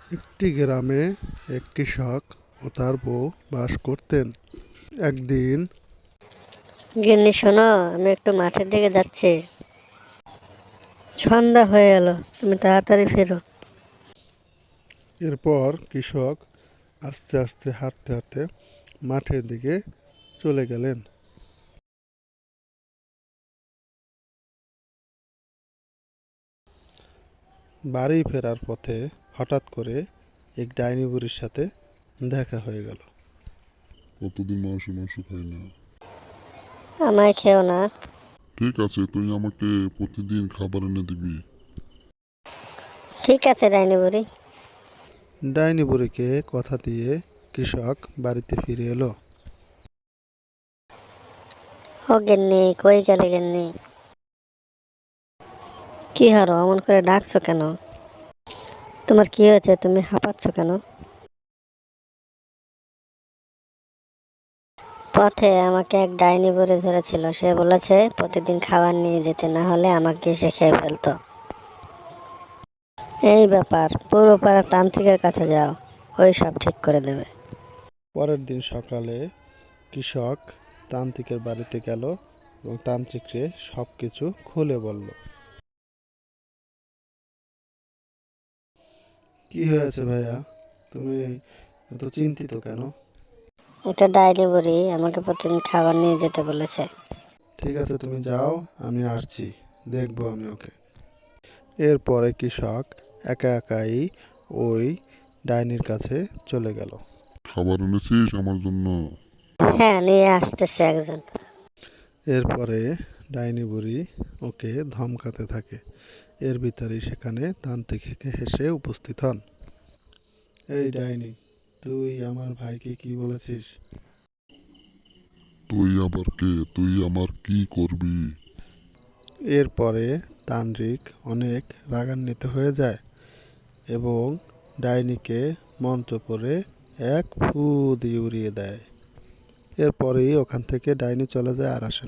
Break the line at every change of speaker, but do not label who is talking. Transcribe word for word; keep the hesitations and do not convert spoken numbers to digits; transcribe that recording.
একটি গ্রামে এক কৃষক ও তার বউ বাস করতেন। একদিন
গিন্নি শোনো, আমি একটু মাঠের দিকে যাচ্ছি। সন্ধ্যা হয়ে গেল, তুমি তাড়াতাড়ি ফেরো।
এরপর কৃষক আস্তে আস্তে হাঁটতে হাঁটতে মাঠের দিকে চলে গেলেন। বাড়ি ফেরার পথে হঠাৎ করে এক ডাইনি বুড়ির সাথে দেখা হয়ে গেল।
কতদিন মাংস মাংস খাই না।
আমায় খেও না।
ঠিক আছে, তুই আমাকে প্রতিদিন খাবার এনে দিবি।
ঠিক আছে ডাইনি বুড়ি।
ডাইনি বুড়িকে কথা দিয়ে কৃষক বাড়িতে ফিরে এলো।
ও গিন্নি, কই গেলে গিন্নি? কি হারো, অমন করে ডাকছো কেন? তোমার কি হয়েছে, তুমি হাঁপাচ্ছ কেন? পথে আমাকে এক ডাইনি বুড়ি ধরেছিল। সে বলেছে প্রতিদিন খাবার নিয়ে যেতে, না হলে আমাকে সে খেয়ে ফেলতো। এই ব্যাপার, পুরো পাড়া তান্ত্রিকের কাছে যাও, ওই সব ঠিক করে দেবে।
পরের দিন সকালে কৃষক তান্ত্রিকের বাড়িতে গেল এবং তান্ত্রিককে সব কিছু খুলে বলল। কি হয়েছে ভাইয়া, তুমি এত চিন্তিত কেন?
এটা ডাইনি বুড়ি আমাকে প্রতিদিন খাবার নিয়ে যেতে বলেছে।
ঠিক আছে, তুমি যাও, আমি আসছি, দেখবো আমি ওকে। এরপরে কৃষক একা একাই ওই ডাইনির কাছে চলে গেল।
খাবার এনেছিস আমার জন্য?
হ্যাঁ, নিয়ে আসতেছে একজন।
এরপরে ডাইনি বুড়ি ওকে ধমকাতে থাকে। এর ভিতরেই সেখানে তান্ত্রিক হেসে উপস্থিত হন। এই ডাইনি, তুই আমার ভাইকে কি বলেছিস?
তুই আবার কে? তুই আমার কি করবি?
এরপরে তান্ত্রিক অনেক রাগান্বিত হয়ে যায় এবং ডাইনিকে মন্ত্র পড়ে এক ফু দিয়ে উড়িয়ে দেয়। এরপরেই ওখান থেকে ডাইনি চলে যায় আর আসে না।